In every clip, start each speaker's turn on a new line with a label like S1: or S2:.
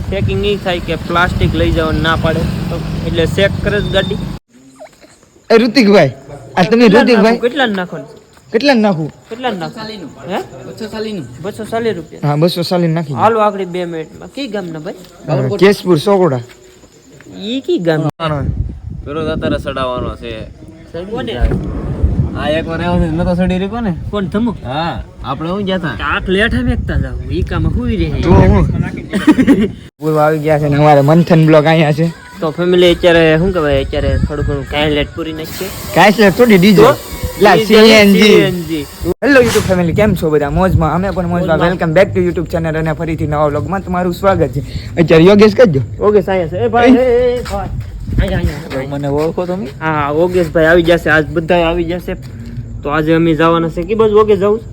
S1: Checking નહીં થાય કે પ્લાસ્ટિક લઈ જવાનું ના પાડે તો એટલે ચેક કરે જ ગાડી.
S2: એ ઋતિકભાઈ આ તમે ઋતિકભાઈ
S1: કેટલા નાખો
S2: કેટલા નાખું
S1: કેટલા નાખો હે 240 રૂપિયા.
S2: હા 240 નાખી
S1: હાલો આગળ 2 મિનિટમાં. કઈ ગામના ભાઈ?
S2: કેશપુર સોકોડા.
S1: ઈ કી ગામ?
S3: પેલો તારે સડાવવાનો છે.
S1: કોને?
S3: આ એક વાર આવ્યો છે નતો સડી રહ્યો ને.
S1: કોણ ધમુ?
S3: હા આપણે હું ગયા હતા.
S1: આઠ લેઠા મેકતા જાવ ઈ કામ હુઈ રહે.
S2: જો હું પૂર્વ આવી ગયા છે ને અમારે મંથન બ્લોગ અહીંયા છે.
S1: તો ફેમિલી અત્યારે શું કહેવાય અત્યારે થોડું ઘણું કાંઈ લેટ પૂરી નાખીએ.
S2: કાંઈ છે થોડી ડીજો લા CNG.
S1: CNG.
S2: Hello YouTube family, કેમ છો બધા? મોજમાં? અમે પણ મોજમાં. Welcome back to YouTube channel અને ફરીથી નવા વ્લોગમાં તમારું સ્વાગત છે. અત્યારે યોગેશ કરજો.
S1: ઓકે સાયન્સ એ ભાઈ એ ભાઈ અહીંયા
S3: મને ઓળખો તમે?
S1: હા ઓગેશ ભાઈ આવી જશે. આજ બધા આવી જશે. તો આજે અમે જવાના છે કે બાજુ ઓગેશ જવું?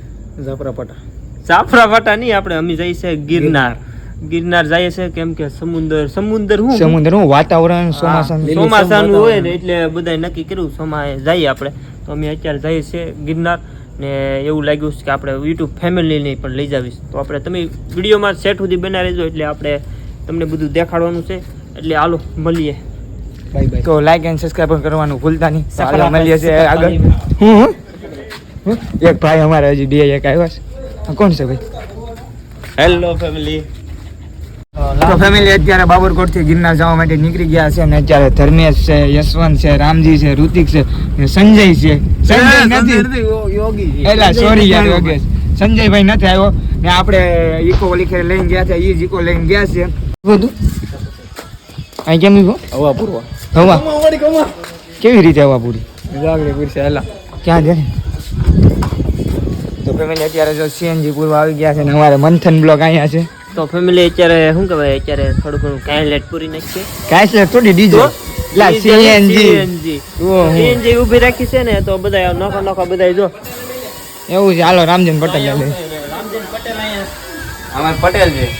S1: જાફરાપાટા નહીં, આપણે અમે જઈએ છે ગિરનાર. ગિરનાર જઈએ છે કેમ કે સમુદ્ર
S2: હું વાતાવરણ
S1: ચોમાસાનું હોય ને એટલે બધા નક્કી કર્યું સોમાએ જઈએ આપણે. તો અમે અત્યારે જઈએ છીએ ગિરનાર ને એવું લાગ્યું છે કે આપણે યુટ્યુબ ફેમિલીને પણ લઈ જાવીશ. તો આપણે તમે વિડીયોમાં સેટ સુધી બનાવી રહેજો એટલે આપણે તમને બધું દેખાડવાનું છે. એટલે હાલો મળીએ.
S2: તો લાઈક એન્ડ સબસ્ક્રાઇબ કરવાનું ભૂલતા નહીં. ચાલો મળીએ છીએ આગળ. એક ભાઈ અમારે હજી બે એક આવ્યા છે. કોણ છે ભાઈ?
S3: Hello family.
S2: તો ફેમિલી અત્યારે બાબરકોટ થી ગિરનાર જવા માટે નીકળી ગયા છે અને અત્યારે ધર્મેશ છે, યશવંત છે, રામજી છે, ઋતિક છે, સંજય છે. સંજય નથી
S3: યોગી.
S2: એલા સોરી યાર યોગેશ. સંજયભાઈ નથી આવ્યો ને આપણે ઈકો લીખે લઈને ગયા છે. ઈ જ ઈકો લઈને ગયા છે. બધું અહીં કેમ ઈકો
S3: હવા પૂરવા.
S2: હવા કેવી રીતે હવા પૂરી?
S3: જાગડી પૂરશે હેલા.
S2: ક્યાં જાય? તો ફેમિલી અત્યારે જો સીએનજી પૂર્વ આવી ગયા છે ને અમારે મંથન બ્લોગ અહીંયા છે.
S1: તો ફેમિલી અત્યારે શું કહેવાય અત્યારે થોડું ઘણું કાંઈ લેટ પૂરી નાખીએ.
S2: કાંઈ છે થોડી ડીજો લા સીએનજી.
S1: CNG ઊભી રાખી છે ને તો બધા નોખા બધા જો
S2: એવું છે. હાલો રામજન પટેલ લે.
S1: રામજન પટેલ અહીંયા
S3: અમાર પટેલ છે.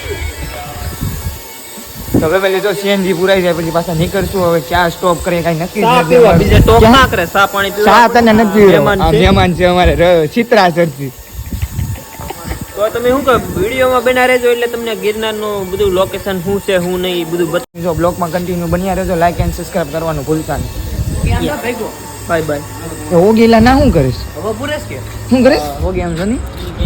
S2: તો ફેમિલી જો સીએનજી પુરાઈ જાય પછી પાછા નીકળશું. હવે ક્યાં સ્ટોપ કરીએ કાંઈ નક્કી
S1: ચા
S2: નથી.
S1: પીવા બીજે ટોપ ના કરે. ચા પાણી પીવા.
S2: ચા તને નથી
S1: મહેમાન છે.
S2: મહેમાન છે અમારે ચિત્રાસરથી.
S1: તો તમે શું કહો વિડીયોમાં બના રહેજો એટલે તમને ગિરનારનું બધું લોકેશન શું છે શું નહીં બધું બતાવી.
S2: જો બ્લોગમાં કન્ટિન્યુ બન્યા રહેજો. લાઈક એન્ડ સબસ્ક્રાઇબ કરવાનું ભૂલતા નહીં.
S1: Bye bye.
S2: તો ઓગીલા ના શું કરીશ?
S1: હવે પૂરેશ કે
S2: શું કરીશ? ઓગી આમ જો ની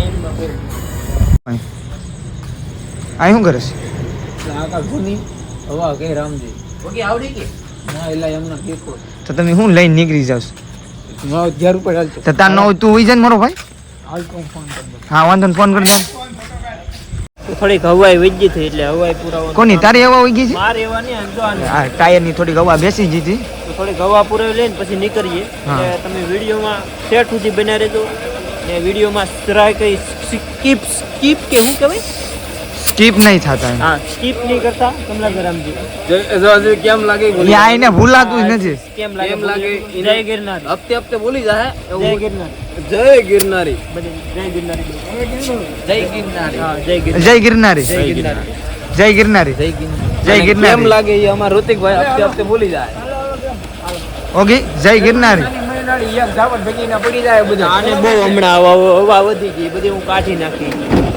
S2: આ શું કરીશ?
S3: આકા ગુની હવા કે રામજી. ઓકે આવડી કે ના એલા એમના કેકો.
S2: તો તમે શું લઈને નીકળી જાવ?
S3: નો 11 રૂપિયા હાલતો.
S2: તો તાર નો તું ઉઈ જા ને મારો ભાઈ.
S3: હાલ તો ફોન કર દો.
S2: હા વાંધો ને ફોન કરી દો.
S1: થોડીક હવાઈ વજી થઈ એટલે હવાઈ પુરાવા.
S2: કોની તારી હવા ઉઈ ગઈ છે?
S1: મારે એવા નહીં આમ જો આને.
S2: હા ટાયર ની થોડીક હવા બેસી ગઈ હતી.
S1: તો થોડીક હવા પુરાવી લઈને પછી નીકળીએ. એટલે તમે વિડીયોમાં સેટ સુધી બના રહેજો ને વિડીયોમાં ટ્રાય કરી સ્કીપ કે શું કહેવાય?
S2: સ્કીપ નહીં થતા.
S1: હા સ્કીપ નહીં કરતા. કમલાગરામજી
S3: જો કેમ લાગે
S2: એ આઈને ભૂલાતું જ નથી.
S1: કેમ લાગે? જય ગિરનાર.
S3: હપ્તે બોલી જાય.
S1: જય ગિરનાર.
S3: જય ગિરનારી.
S1: જય ગિરનારી.
S3: જય ગિરનારી.
S1: હા જય ગિરનાર.
S2: જય ગિરનારી.
S1: જય ગિરનાર.
S2: જય ગિરનારી.
S3: જય ગિરનારી.
S2: જય ગિરનારી.
S3: કેમ લાગે એ અમાર ઋતિકભાઈ હપ્તે બોલી જાય.
S2: ઓકે જય ગિરનારી.
S3: એક જાવટ ભેગી ના પડી જાય બધું.
S1: આને બહુ હમણાં હવા વધી ગઈ બધી હું કાઢી નાખી.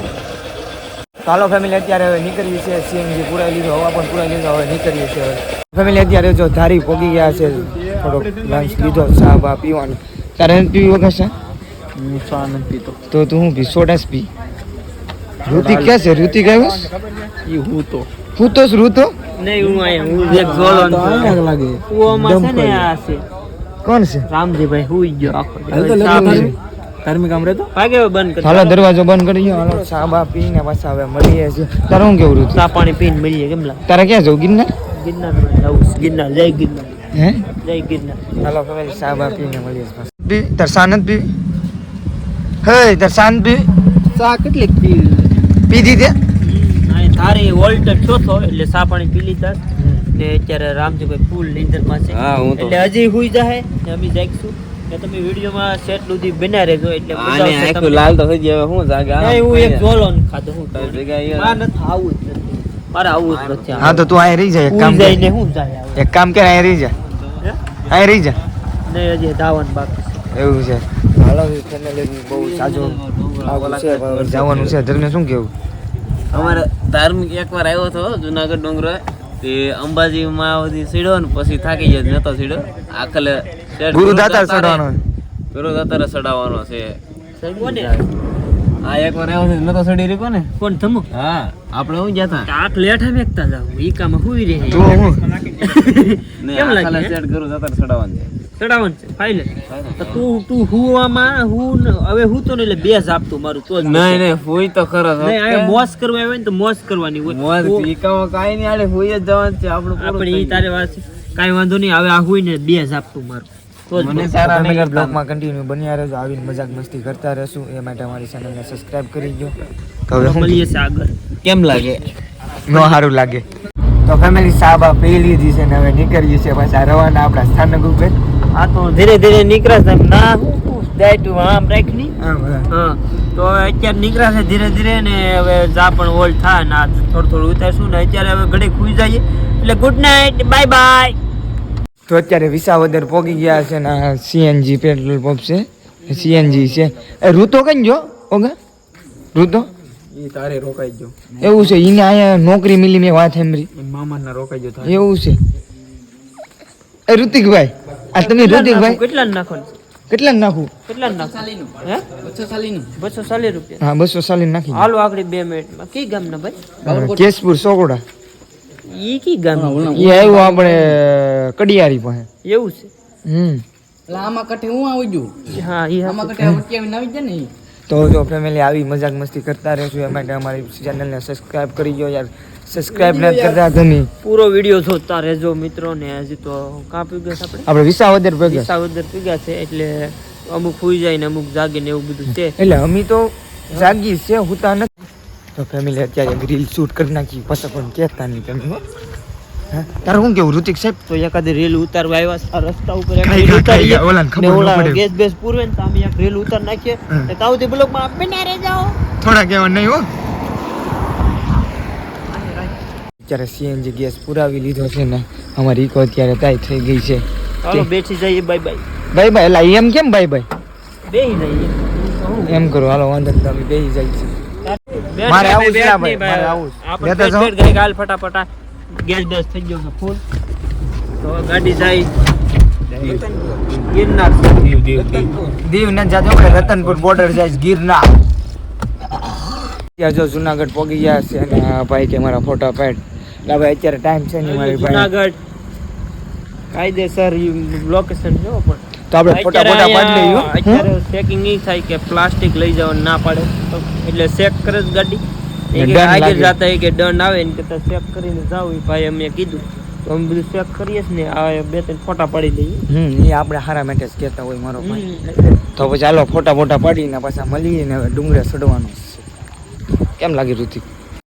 S2: ચાલો ફેમિલી અત્યારે હવે નીકળીએ છીએ. સીએનજી પુરાઈ લીધો, હવા પણ પુરાઈ લીધો. હવે નીકળીએ છીએ. ફેમિલી અત્યારે જો ધારી પોગી ગયા છે. થોડોક લંચ લીધો, ચા બા પીવાનું. તારે નથી પીવી વગર છે?
S3: હું ચા નથી પીતો.
S2: તો તું હું પી? સોડા પી. ઋતિક ક્યાં છે? ઋતિક આવ્યો?
S3: ઈ હું તો
S2: ઋતો
S1: નહીં હું અહીંયા હું એક ઝોલન છું.
S3: લાગે
S1: કૂવામાં છે ને આ છે
S2: કોણ છે?
S1: રામજીભાઈ હુઈ ગયો આખો
S3: ધાર્મિક આમ રહેતો
S1: ભાગે બંધ કરી.
S2: હાલો દરવાજો બંધ કરી દો. હાલો ચા બા પીને પાછા હવે મળીએ છીએ. તારે શું કેવું ઋતુ?
S1: ચા પાણી પીને મળીએ. કેમ લાગે?
S2: તારે ક્યાં જવું? ગિરનાર?
S1: ગિરનાર જવું છે. ગિરનાર જય ગિરનાર.
S2: હે
S1: જય ગિરનાર.
S2: હાલો ફેમિલી ચા બા પીને મળીએ છીએ. પી તાર શાનત પીવી? હે તાર શાંત પીવી?
S1: ચા કેટલીક
S2: પી દીધી?
S1: તારી વોલ્ટેજ ચોથો એટલે ચા પાણી પી લીધા ને અત્યારે રામજીભાઈ ફૂલ નીંદરમાં છે.
S3: હા હું તો
S1: એટલે હજી હુઈ જાય ને અમે જાગશું ને તમે વિડીયોમાં સેટ સુધી બના રહેજો એટલે મજા
S3: આને
S1: આવશે
S3: આખું
S1: તમને.
S3: લાલ તો થઈ જાય. હું જાગે
S1: નહીં, હું એક ઝોલોન ખાધો હું
S3: તારી જગ્યાએ
S1: મારે નથી આવું જ નથી. મારે આવું જ નથી.
S2: હા તો તું અહીં રહી જા. એક કામ
S1: હુઈ
S2: કર.
S1: જઈને હું જાય આવું.
S2: એક કામ કર, અહીં રહી જા.
S1: હે?
S2: અહીં રહી જા.
S1: નહીં હજી ધાવન બાકી છે.
S2: એવું છે. હાલો ફેમિલી બહુ સાજો આવું છે. જવાનું છે. ધર્મે શું કેવું?
S3: અમારે ધાર્મિક એકવાર આવ્યો હતો જુનાગઢ ડુંગરો તે અંબાજીમાં બધી સીડો ને પછી થાકી ગયો નતો સીડો આખલે
S2: ગુરુદાતાર ચડવાનો
S3: ગુરુદાતારે ચડાવવાનો છે
S1: કોને
S3: આ એકવાર આવ્યો છે નતો ચડી રહ્યો ને
S1: કોણ થમો
S3: હા આપણે હું ગયા હતા
S1: આખ લેઠા મેકતા જાવ ઈ કામ હુઈ રહે
S2: તો હું
S3: ને
S1: કેમ લાગે,
S3: આખલે
S1: હે?
S3: સેટ ગુરુદાતારે ચડાવવાનું છે
S1: ચડાવવાનું છે ફાઇનલ તો તું હુવામાં હવે હું તો ને એટલે બે જ આપતું મારું તો જ
S3: નહીં નહીં ફોઈ તો ખરો
S1: નહીં આ મોજ કરવા આવે ને તો મોજ કરવાની હોય
S3: મોજ પીકામાં કાઈ નહીં આલે ફોઈ જ જવાનું છે આપણું પૂરું
S1: આપણે ઈ
S3: થઈ
S1: તારે વાત છે. કાંઈ વાંધો નહીં હવે આ હુઈ ને બે જ આપતું મારું તો જ
S3: મને
S1: બસ.
S3: સારા નહીં
S2: ફેમિલી
S3: લાગતા.
S2: બ્લોગમાં કન્ટિન્યુ બન્યા રહેજો આવીને મજાક મસ્તી કરતા રહેશું એ માટે અમારી ચેનલને સબસ્ક્રાઇબ કરી દો તો હવે શું
S1: મળીએ છે આગળ
S3: કેમ લાગે
S2: નો સારું લાગે તો ફેમિલી સાબા પી લીધી છે ને હવે નીકળીએ છીએ પાછા રવાના આપણા સ્થાનક ઉપર
S1: આ તો ધીરે ધીરે નીકળાશે એમ ના હું દાયટું આમ રાખની
S2: આમ, આમ.
S1: હા તો હવે અત્યારે નીકળાશે ધીરે ધીરે ને હવે જા પણ ઓલ્ડ થાય ને આ થોડું થોડું ઉતારશું ને અત્યારે હવે ઘડી ખુઈ જઈએ એટલે ગુડ નાઇટ બાય બાય.
S2: તો અત્યારે વિસાવદર પહોંચી ગયા છે ને સીએનજી પેટ્રોલ પંપ છે સીએનજી છે એ ઋતો કઈ જો ઓગા ઋતો
S3: ઈ તારે રોકાઈ ગયો
S2: એવું છે એને અહીંયા નોકરી મિલી મેં વાત સાંભળી
S3: મામાના રોકાઈ ગયો
S2: એવું છે એ ઋતિકભાઈ આ તમે ઋતિકભાઈ
S1: કેટલા નાખો
S2: કેટલા નાખું
S1: કેટલા નાખો હે 240 રૂપિયા
S2: હા 240 નાખી દો.
S1: હાલો આગળ 2 મિનિટમાં કઈ ગામના ભાઈ
S2: કેશપુર સોકોડા
S1: ઈ કી ગામ
S2: એ આવ્યું આપણે કડિયારી પાસે
S1: એવું છે
S3: આમાં કઠે હું આવી ગયું
S1: હા ઈ
S3: આમાં કઠે વચ્ચે આવી જાય ને
S2: તો જો ફેમિલી આવી મજાક મસ્તી કરતા રહેશું એ માટે અમારી ચેનલને સબસ્ક્રાઇબ કરી દો યાર સબસ્ક્રાઇબ નથી કરતા તમે
S1: પૂરો વિડિયો જોતા રહેજો મિત્રો ને હજી તો કાં પીગસ આપણે
S2: આપણે વિસાવદર ભેગા
S1: વિસાવદર પીગા છે એટલે અમુક હુઈ જાય ને અમુક જાગે ને એવું બધું છે
S2: એટલે અમે તો જાગી છે હુતા નથી તો ફેમિલી અત્યારે રીલ શૂટ કરી નાખી પછી પણ કહેતા નહીં તમે હો. હે તારે શું કેવું ઋતિક સાહેબ
S1: તો એકાદી રેલ ઉતારવા આવ્યા છે આ રસ્તા ઉપર એક
S2: ખાઈ
S1: રેલ
S2: ખા,
S1: ઉતારીએ
S2: ખાઈ ઓલાને ખબર
S1: ને
S2: ન
S1: ઓલા
S2: પડે.
S1: ગેસ બેસ પૂરવે ને તો અમે એક રેલ ઉતાર નાખીએ
S2: હમ.
S1: ને તાવથી બ્લોકમાં બના રહી જાઓ.
S2: થોડા કહેવા નહીં હો અત્યારે સીએનજી ગેસ પુરાવી લીધો છે ને અમારી ઇકો અત્યારે તાઈ થઈ ગઈ છે
S1: ચાલો બેસી જઈએ બાય બાય
S2: ભાઈ ભાઈ એટલે એમ કેમ ભાઈ ભાઈ
S1: બેહી જઈએ
S2: એમ કરો હાલો વાંધો નહીં તમે બેસી જાય છે
S1: બેઠ
S2: મારે આવું
S1: બેઠ
S2: છે આ ભાઈ,
S1: નહીં
S2: મારે આવું છે.
S1: આપણે
S2: લેતા
S1: બેઠ
S2: જાઓ.
S1: બેઠ ગઈ ગાલ ફટાફટા ગેસ બેસ થઈ ગયો છે ફૂલ તો ગાડી જાય ગિરનાર
S2: દીવ ન જાજો કે રતનપુર બોર્ડર જાય ગિરનાર ત્યાં જો જુનાગઢ પહોંચી ગયા છે અને આ ભાઈ કે મારા ફોટા પાડ એટલે ભાઈ અત્યારે ટાઈમ છે નહીં મારી ભાઈ
S1: જુનાગઢ કાયદેસર લોકેશન જો પણ
S2: તો આપણે ફોટા ફોટા પાડી લઈએ હો.
S1: અત્યારે ચેકિંગ નહીં થાય કે પ્લાસ્ટિક લઈ જવાનું ના પાડે તો એટલે ચેક કરે જ ગાડી એ કે
S2: દંડ
S1: આગળ
S2: લાગે.
S1: જતા એ કે દંડ આવે ને કે ચેક કરીને જાવ એ ભાઈ અમે કીધું તો અમે બધું ચેક કરીએ જ ને આ 2-3 ફોટા પાડી લઈએ
S2: એ આપણે હારા માટે જ કહેતા હોય મારો ભાઈ
S1: હમ.
S2: તો પછી ચાલો ફોટા ફોટા પાડીને પાછા મળીએ ને હવે ડુંગરે ચડવાનું છે કેમ લાગે ઋતિક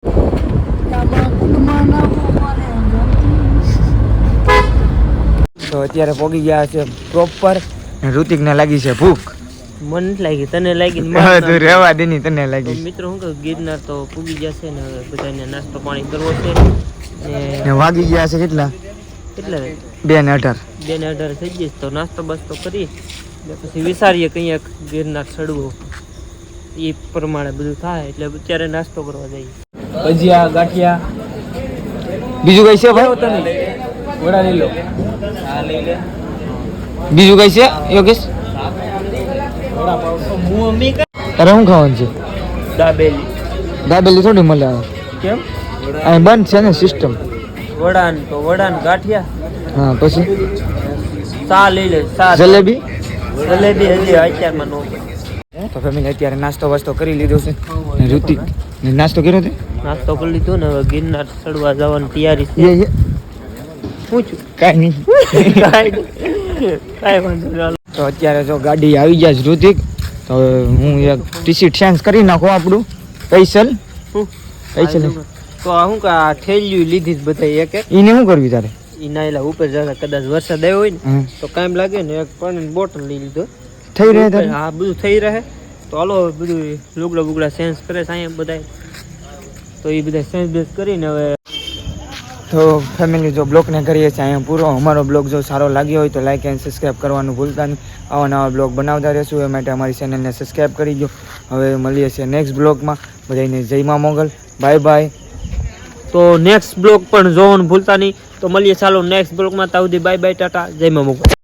S2: તો અત્યારે પહોંચી ગયા છે પ્રોપર ઋતિકને લાગી છે ભૂખ
S1: મને નથી લાગી તને લાગી ને
S2: હવે
S1: મારે
S2: તું રહેવા દે ની તને
S1: તો
S2: લાગી
S1: મિત્રો શું કહું ગિરનાર તો પૂગી જશે ને હવે બધાને નાસ્તો પાણી કરવો છે
S2: ને
S1: ને
S2: વાગી ગયા છે કેટલા
S1: કેટલા
S2: 2:18
S1: 2:18 થઈ જઈશ તો નાસ્તો બસ્તો કરી ને પછી વિચારીએ કંઈક ગિરનાર ચડવું એ પ્રમાણે બધું થાય એટલે અત્યારે નાસ્તો કરવા જઈએ
S3: ભજીયા ગાંઠિયા
S2: બીજું કઈ છે ભાઈ
S3: વડા લઈ લો આ લઈ લે
S2: બીજું કઈ છે યોગેશ તારે શું ખાવાનું છે
S1: દાબેલી
S2: દાબેલી થોડી મળે આવે
S1: કેમ
S2: અહીં બંધ છે ને સિસ્ટમ
S1: વડાન તો વડાન ગાંઠિયા
S2: હા પછી
S1: ચા લઈ લે ચા
S2: જલેબી
S1: જલેબી હજી અત્યારમાં નો
S2: તો ફેમિલી અત્યારે નાસ્તો વાસ્તો કરી લીધો છે ને ઋતિક ને નાસ્તો કર્યો તે
S1: નાસ્તો કરી લીધો ને હવે ગિરનાર ચડવા જવાની તૈયારી છે શું છું
S2: કાંઈ નહીં
S1: કાંઈ વાંધો નહીં
S2: તો અત્યારે જો ગાડી આવી જાય છે ઋતિક તો હવે હું એક ટીસી ચેન્જ કરી નાખું આપણું પૈસલ
S1: શું
S2: પૈસલ
S1: તો આ શું કે આ થેલીયું લીધી જ બધા એક એક
S2: એને શું કરવી તારે
S1: ઈના એલા ઉપર જતા કદાચ વરસાદ આવ્યો હોય ને
S2: હા
S1: તો કામ લાગે ને એક પાણીની બોટલ લઈ લીધો
S2: થઈ રહે તારે
S1: હા બધું થઈ રહે તો હાલો બધું લુગડા બુગડા ચેન્જ કરે છે અહીંયા બધા તો એ બધા ચેન્જ બેન્જ કરીને હવે
S2: તો ફેમિલી જો બ્લોગને કરીએ છીએ અહીંયા પૂરો અમારો બ્લોગ જો સારો લાગ્યો હોય તો લાઈક એન્ડ સબસ્ક્રાઈબ કરવાનું ભૂલતા નહીં આવા નવા બ્લોગ બનાવતા રહેશું એ માટે અમારી ચેનલને સબસ્ક્રાઈબ કરી દો હવે મળીએ છીએ નેક્સ્ટ બ્લોગમાં બધાને જય મા મોગલ, બાય બાય.
S1: તો નેક્સ્ટ બ્લોગ પણ જોવાનું ભૂલતા નહીં. તો મળીએ ચાલો નેક્સ્ટ બ્લોગમાં. ત્યાં સુધી બાય બાય, ટાટા, જય મા મોગલ.